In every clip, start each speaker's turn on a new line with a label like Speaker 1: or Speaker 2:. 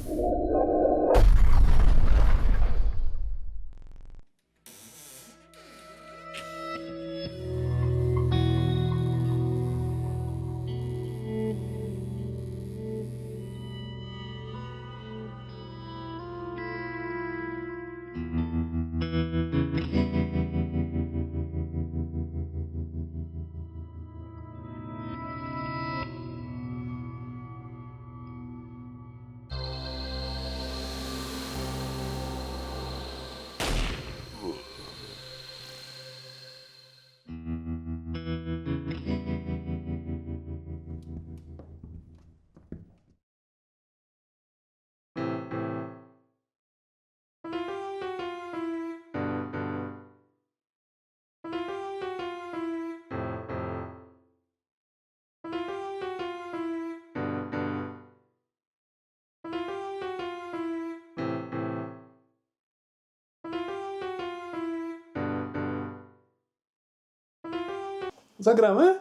Speaker 1: Zagramy?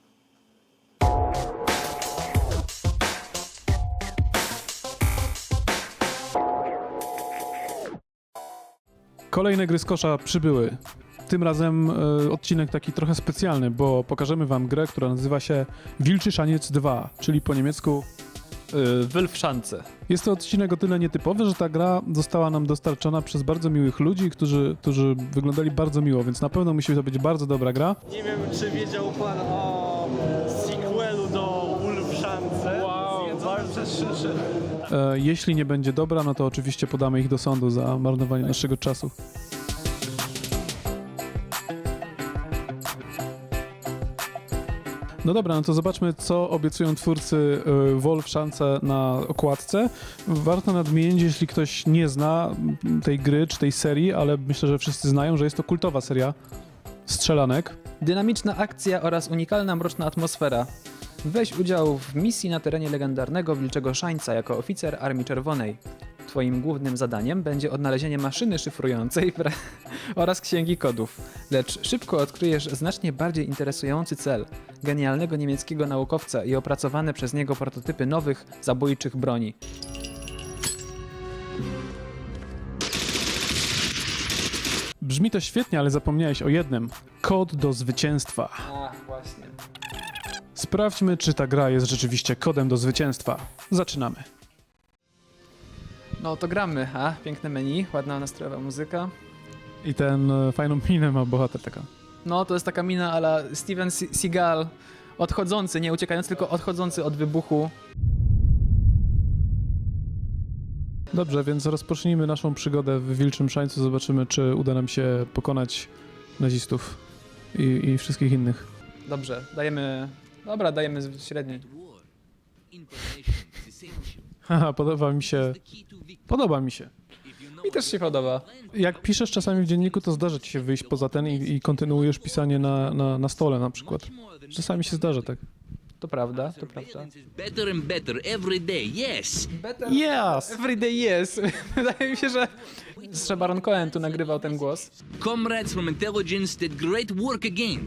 Speaker 1: Kolejne gry z kosza przybyły. Tym razem odcinek taki trochę specjalny, bo pokażemy wam grę, która nazywa się Wilczy Szaniec 2, czyli po niemiecku
Speaker 2: Wölfschanze.
Speaker 1: Jest to odcinek o tyle nietypowy, że ta gra została nam dostarczona przez bardzo miłych ludzi, którzy wyglądali bardzo miło, więc na pewno musi to być bardzo dobra gra.
Speaker 3: Nie wiem, czy wiedział pan o sequelu do Wölfschanze. Wow, bardzo szyszy.
Speaker 1: Jeśli nie będzie dobra, no to oczywiście podamy ich do sądu za marnowanie naszego czasu. No dobra, no to zobaczmy, co obiecują twórcy Wölfschanze na okładce. Warto nadmienić, jeśli ktoś nie zna tej gry czy tej serii, ale myślę, że wszyscy znają, że jest to kultowa seria strzelanek.
Speaker 2: Dynamiczna akcja oraz unikalna mroczna atmosfera. Weź udział w misji na terenie legendarnego Wilczego Szańca jako oficer Armii Czerwonej. Twoim głównym zadaniem będzie odnalezienie maszyny szyfrującej oraz księgi kodów. Lecz szybko odkryjesz znacznie bardziej interesujący cel – genialnego niemieckiego naukowca i opracowane przez niego prototypy nowych, zabójczych broni.
Speaker 1: Brzmi to świetnie, ale zapomniałeś o jednym. Kod do zwycięstwa.
Speaker 2: Ach, właśnie.
Speaker 1: Sprawdźmy, czy ta gra jest rzeczywiście kodem do zwycięstwa. Zaczynamy.
Speaker 2: No to gramy, a? Piękne menu, ładna nastrojowa muzyka.
Speaker 1: I ten fajną minę ma bohater taka.
Speaker 2: No to jest taka mina a la Steven Seagal, odchodzący, nie uciekający, tylko odchodzący od wybuchu.
Speaker 1: Dobrze, więc rozpocznijmy naszą przygodę w Wilczym Szańcu. Zobaczymy, czy uda nam się pokonać nazistów i wszystkich innych.
Speaker 2: Dobrze, dajemy... Dobra, dajemy średniej.
Speaker 1: Haha, podoba mi się. Podoba mi się.
Speaker 2: Mi też się podoba.
Speaker 1: Jak piszesz czasami w dzienniku, to zdarza ci się wyjść poza ten i kontynuujesz pisanie na stole na przykład. Czasami się zdarza tak.
Speaker 2: To prawda, to prawda.
Speaker 4: Better and better every day, yes.
Speaker 2: Better
Speaker 1: Yes!
Speaker 2: everyday yes. Wydaje mi się, że Baron Cohen tu nagrywał ten głos.
Speaker 4: Comrades from intelligence did great work again.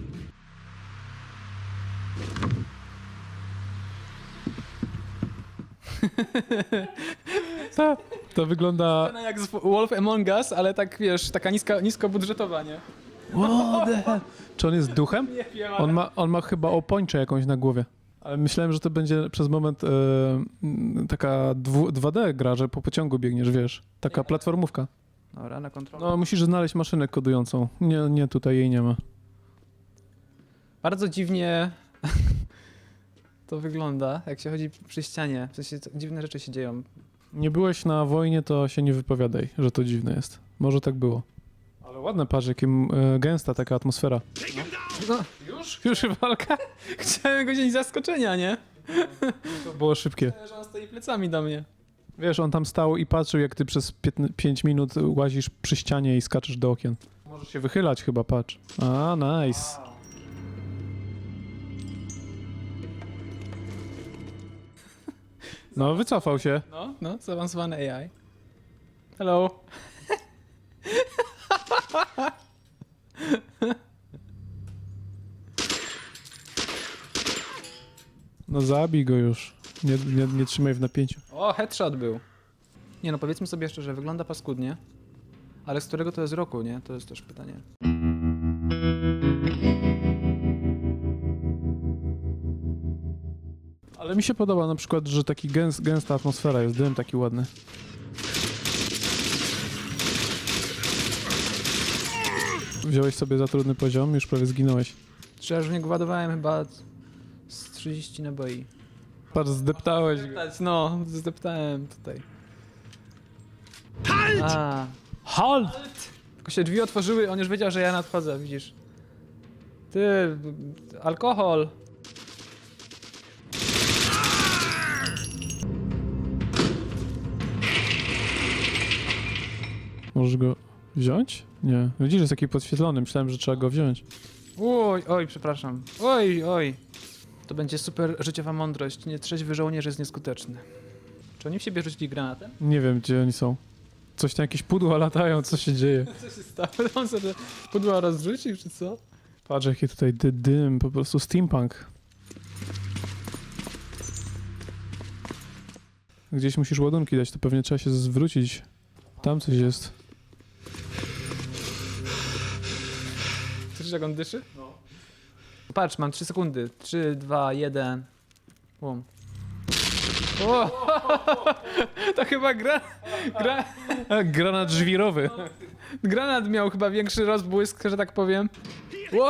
Speaker 1: To wygląda...
Speaker 2: Jak z Wolf Among Us, ale tak wiesz, taka niskobudżetowa, nie?
Speaker 1: Czy on jest duchem?
Speaker 2: Nie wiem,
Speaker 1: On ma chyba opończę jakąś na głowie. Ale myślałem, że to będzie przez moment taka 2D gra, że po pociągu biegniesz, wiesz. Taka platformówka.
Speaker 2: Dobra, na kontrolę.
Speaker 1: No, musisz znaleźć maszynę kodującą. Nie, tutaj jej nie ma.
Speaker 2: Bardzo dziwnie to wygląda, jak się chodzi przy ścianie. W sensie dziwne rzeczy się dzieją.
Speaker 1: Nie byłeś na wojnie, to się nie wypowiadaj, że to dziwne jest. Może tak było. Ale ładne, patrz, jakim gęsta taka atmosfera.
Speaker 2: No, już walka? Chciałem go wziąć z zaskoczenia, nie?
Speaker 1: To było szybkie.
Speaker 2: Że on stoi plecami do mnie.
Speaker 1: Wiesz, on tam stał i patrzył, jak ty przez 5 minut łazisz przy ścianie i skaczesz do okien. Możesz się wychylać chyba, patrz. A, nice. No, wycofał się.
Speaker 2: No, zaawansowany AI. Hello.
Speaker 1: No zabij go już. Nie trzymaj w napięciu.
Speaker 2: O, headshot był. Nie no, powiedzmy sobie jeszcze, że wygląda paskudnie, ale z którego to jest roku, nie? To jest też pytanie.
Speaker 1: Ale mi się podoba na przykład, że taki gęsta atmosfera jest, dym taki ładny. Wziąłeś sobie za trudny poziom, już prawie zginąłeś.
Speaker 2: Czy ja już w niego ładowałem chyba z 30 naboi.
Speaker 1: Patrz, zdeptałeś go.
Speaker 2: No, zdeptałem tutaj. A,
Speaker 1: Halt!
Speaker 2: tylko się drzwi otworzyły, on już wiedział, że ja nadchodzę, widzisz. Ty, alkohol.
Speaker 1: Możesz go wziąć? Nie. Widzisz, jest taki podświetlony, myślałem, że trzeba go wziąć.
Speaker 2: Oj, przepraszam. Oj. To będzie super życiowa mądrość. Nietrzeźwy żołnierz jest nieskuteczny. Czy oni w siebie rzucili granatem?
Speaker 1: Nie wiem, gdzie oni są. Coś tam, jakieś pudła latają, co się dzieje?
Speaker 2: Co się stało? On sobie pudła rozrzucił, czy co?
Speaker 1: Patrz, jaki tutaj dym, po prostu steampunk. Gdzieś musisz ładunki dać, to pewnie trzeba się zwrócić. Tam coś jest.
Speaker 2: Słyszysz, jak on dyszy? No. Patrz, mam 3 sekundy. 3, 2, 1. Bum. O! To chyba
Speaker 1: Granat żwirowy.
Speaker 2: granat miał chyba większy rozbłysk, że tak powiem. O!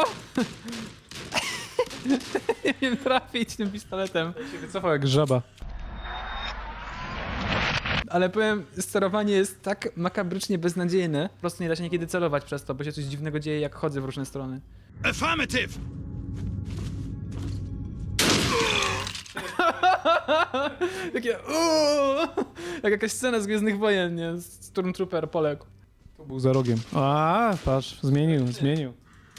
Speaker 2: Nie wiem trafić tym pistoletem.
Speaker 1: Się wycofał jak żaba.
Speaker 2: Ale powiem, sterowanie jest tak makabrycznie beznadziejne. Po prostu nie da się niekiedy celować przez to, bo się coś dziwnego dzieje, jak chodzę w różne strony.
Speaker 5: Affirmative!
Speaker 2: Takie uuu, jak jakaś scena z Gwiezdnych Wojen, nie? Stormtrooper poległ.
Speaker 1: Tu był za rogiem. A, patrz, zmienił.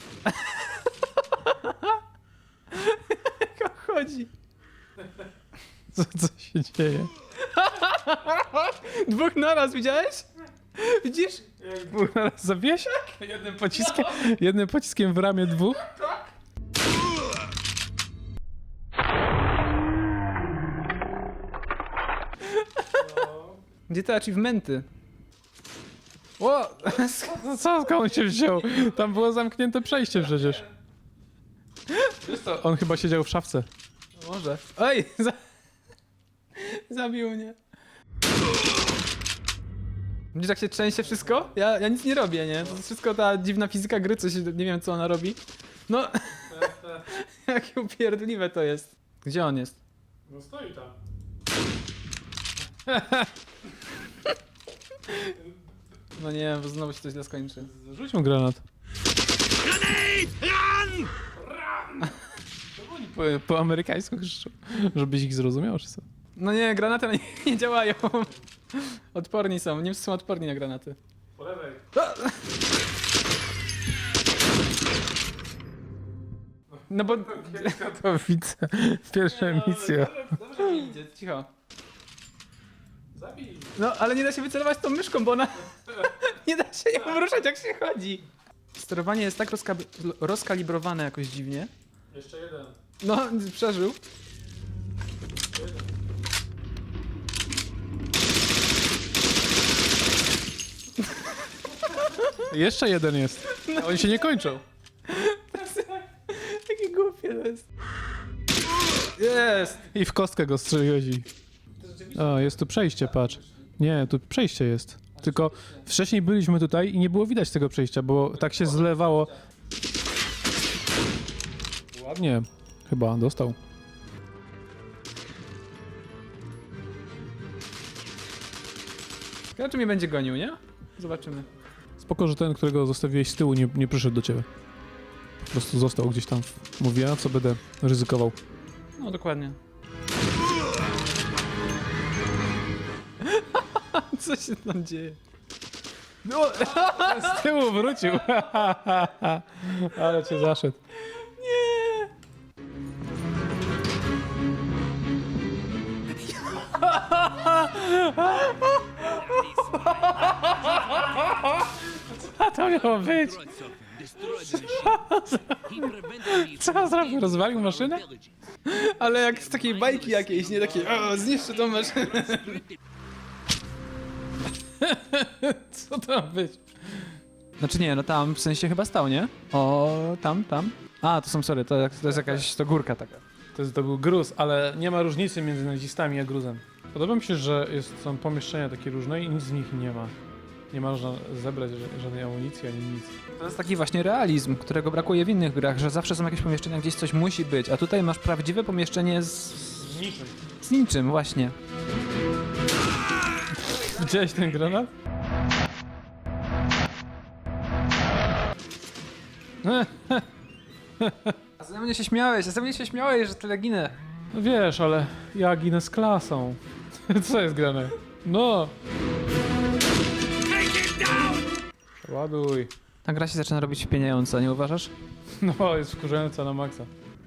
Speaker 2: Jak on chodzi.
Speaker 1: Co się dzieje?
Speaker 2: 2 naraz, widziałeś? Widzisz?
Speaker 1: Był naraz zawiesiak? Jednym pociskiem w ramię 2?
Speaker 2: Gdzie te achievementy? O!
Speaker 1: No co, skąd on się wziął? Tam było zamknięte przejście przecież. Wiesz co, on chyba siedział w szafce.
Speaker 2: Może. Oj! Zabił mnie. Widzisz, jak się trzęsie wszystko? Ja nic nie robię, nie? To jest wszystko ta dziwna fizyka gry, coś, nie wiem co ona robi. No, jakie upierdliwe to jest. Gdzie on jest?
Speaker 1: No stoi tam.
Speaker 2: No nie, bo znowu się to źle skończy.
Speaker 1: Rzuć mu granat.
Speaker 5: Run!
Speaker 1: Po amerykańsku krzyczą. Żebyś ich zrozumiał, czy co?
Speaker 2: No nie, granaty na nich nie działają. Odporni są, Niemcy są odporni na granaty.
Speaker 1: Po lewej.
Speaker 2: No bo...
Speaker 1: To widzę. Pierwsza misja.
Speaker 2: Dobrze mi idzie, cicho.
Speaker 1: Zabij.
Speaker 2: No, ale nie da się wycelować tą myszką, bo ona... nie da się ją ruszać, jak się chodzi. Sterowanie jest tak rozkalibrowane jakoś dziwnie.
Speaker 1: Jeszcze jeden.
Speaker 2: No, przeżył.
Speaker 1: Jeszcze jeden jest. A oni się nie kończą.
Speaker 2: Takie głupie to jest. Jest!
Speaker 1: I w kostkę go strzeliłeś i... O, jest tu przejście, patrz. Nie, tu przejście jest. Tylko wcześniej byliśmy tutaj i nie było widać tego przejścia, bo tak się zlewało. Ładnie. Chyba dostał.
Speaker 2: Ciekawe, czy mnie będzie gonił, nie? Zobaczymy.
Speaker 1: Spoko, że ten, którego zostawiłeś z tyłu, nie przyszedł do ciebie. Po prostu został gdzieś tam. Mówi, a co będę ryzykował.
Speaker 2: No, dokładnie. Co się tam dzieje? No,
Speaker 1: Z tyłu wrócił. Ale cię zaszedł.
Speaker 2: nie!
Speaker 1: A to miało być. Co zrobił? Rozwalił maszynę?
Speaker 2: Ale jak z takiej bajki jakiejś, nie takiej, o, zniszczę tą maszynę.
Speaker 1: Co to ma być?
Speaker 2: Znaczy nie, no tam w sensie chyba stał, nie? O, tam. A, to są, sorry, to jest jakaś to górka taka.
Speaker 1: To był gruz, ale nie ma różnicy między nazistami a gruzem. Podoba mi się, że są pomieszczenia takie różne i nic z nich nie ma. Nie można zebrać żadnej amunicji ani nic.
Speaker 2: To jest taki właśnie realizm, którego brakuje w innych grach, że zawsze są jakieś pomieszczenia, gdzieś coś musi być, a tutaj masz prawdziwe pomieszczenie
Speaker 1: Niczym.
Speaker 2: z niczym, właśnie.
Speaker 1: Widziałeś ten granat?
Speaker 2: A ze mnie się śmiałeś, że tyle ginę.
Speaker 1: No wiesz, ale ja ginę z klasą. Co jest grane? No! Ładuj.
Speaker 2: Ta gra się zaczyna robić wpieniająca, nie uważasz?
Speaker 1: No, jest wkurzająca na maksa.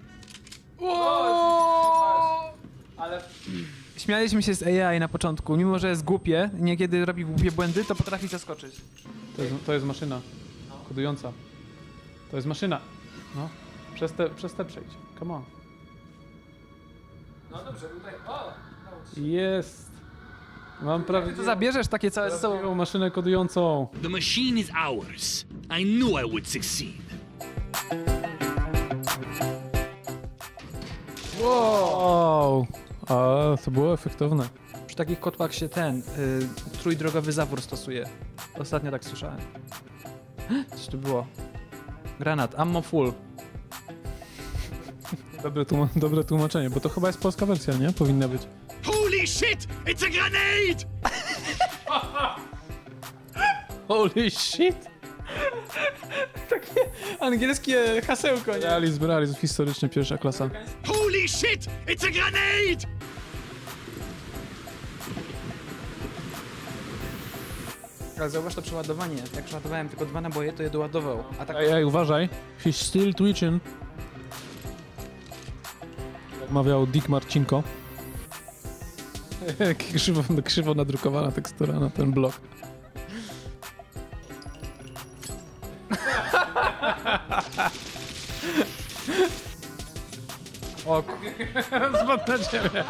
Speaker 2: Ale śmialiśmy się z AI na początku, mimo że jest głupie, niekiedy robi głupie błędy, to potrafi zaskoczyć.
Speaker 1: To jest maszyna. Kodująca. To jest maszyna. No. Przez te przejdź. Come on.
Speaker 2: No dobrze, tutaj.
Speaker 1: Jest. Mam prawie
Speaker 2: To zabierzesz takie całe ze sobą.
Speaker 1: maszynę kodującą.
Speaker 4: The machine is ours. I knew I would succeed.
Speaker 1: Wow. A, to było efektowne.
Speaker 2: Przy takich kotłach się trójdrogowy zawór stosuje. Ostatnio tak słyszałem. Coś tu było. Granat, ammo full.
Speaker 1: Dobre tłumaczenie, bo to chyba jest polska wersja, nie? Powinna być.
Speaker 4: Holy shit! It's a grenade!
Speaker 1: Holy shit!
Speaker 2: Angielskie hasełko, nie?
Speaker 1: Realizm historyczny, pierwsza klasa.
Speaker 4: Holy shit! It's a grenade!
Speaker 2: Ale zauważ to przeładowanie. Jak przeładowałem tylko 2 naboje, to je doładował. A tak
Speaker 1: Ej, ej, uważaj. He's still twitching. Jak mawiał Dick Marcinko. krzywo nadrukowana tekstura na ten blok.
Speaker 2: O,
Speaker 1: Spadł na ciebie.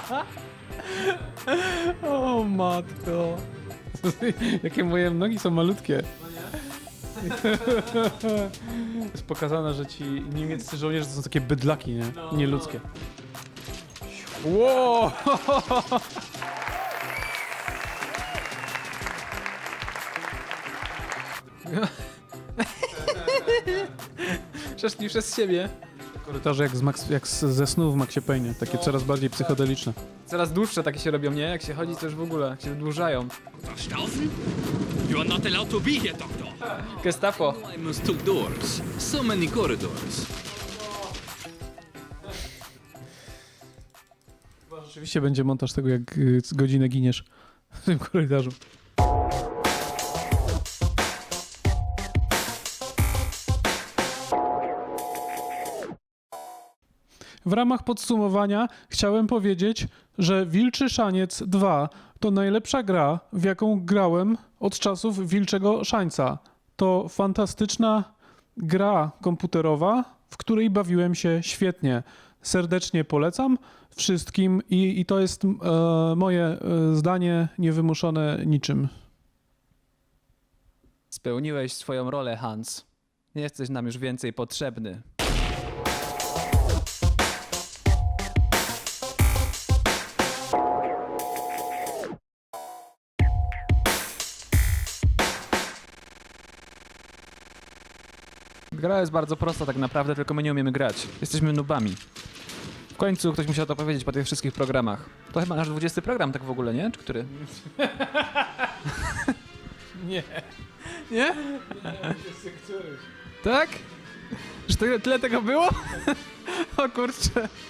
Speaker 1: O matko. Jakie moje nogi są malutkie. Jest pokazane, że ci niemieccy żołnierze to są takie bydlaki, nie? Nieludzkie. Wow!
Speaker 2: przeszli przez siebie.
Speaker 1: Korytarze jak ze snu w Maxie Payne, takie coraz bardziej psychodeliczne.
Speaker 2: Coraz dłuższe takie się robią, nie? Jak się chodzi, to już w ogóle się wydłużają.
Speaker 4: Verstaufen? You are not allowed to be here, Doctor.
Speaker 2: Gestapo.
Speaker 4: I must took doors. So many corridors.
Speaker 1: Rzeczywiście będzie montaż tego, jak godzinę giniesz w tym korytarzu. W ramach podsumowania chciałem powiedzieć, że Wilczy Szaniec 2 to najlepsza gra, w jaką grałem od czasów Wilczego Szańca. To fantastyczna gra komputerowa, w której bawiłem się świetnie. Serdecznie polecam wszystkim i to jest moje zdanie niewymuszone niczym.
Speaker 2: Spełniłeś swoją rolę, Hans. Nie jesteś nam już więcej potrzebny. Gra jest bardzo prosta tak naprawdę, tylko my nie umiemy grać. Jesteśmy nubami. W końcu ktoś musiał to powiedzieć po tych wszystkich programach. To chyba nasz 20 program tak w ogóle, nie? Czy który?
Speaker 1: Nie.
Speaker 2: Nie? Tak? Że tyle tego było? O kurczę.